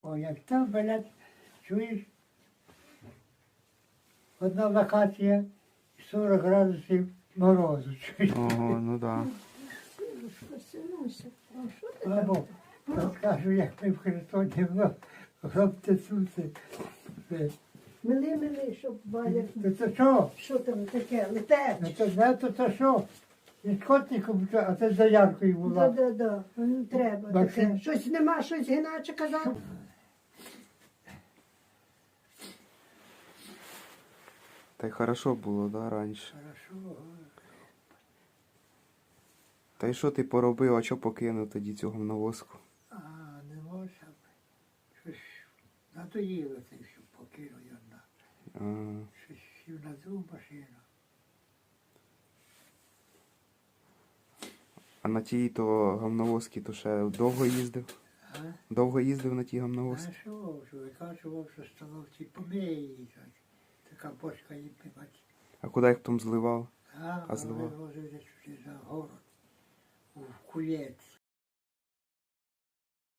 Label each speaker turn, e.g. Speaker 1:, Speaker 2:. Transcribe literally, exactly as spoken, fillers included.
Speaker 1: О, як там, блядь, чуєш, одна локація, сорок градусів морозу, чуєш.
Speaker 2: Ого, ну да.
Speaker 3: Василюся, а що ти
Speaker 1: Або,
Speaker 3: там?
Speaker 1: то скажу, як ми в Херсоні, воно робте суси.
Speaker 3: Мили, мили, щоб Валя,
Speaker 1: То це що?
Speaker 3: що там таке,
Speaker 1: Ну
Speaker 3: летеч.
Speaker 1: то не, то це що? І скотником, а це за яркою
Speaker 3: Да,
Speaker 1: була.
Speaker 3: да, да, не треба
Speaker 1: Максим.
Speaker 3: таке. Щось нема, щось іначе казав.
Speaker 2: Та й хорошо було, да, раніше.
Speaker 1: Хорошо.
Speaker 2: Та й що ти поробив, а що покинув тоді цю говновозку?
Speaker 1: А, не можна. Щось надоїло це, що покинув я на.
Speaker 2: А,
Speaker 1: Щось сів на другу машину.
Speaker 2: а на тій то говновозці то ще довго їздив?
Speaker 1: А?
Speaker 2: Довго їздив на тій
Speaker 1: А
Speaker 2: говновозці?
Speaker 1: що, що викачував, що столовці помиє її. так. Така бочка їм пивати.
Speaker 2: А куди їх потім зливав?
Speaker 1: А,
Speaker 2: А злива?
Speaker 1: вивозили сюди за город, у кулець.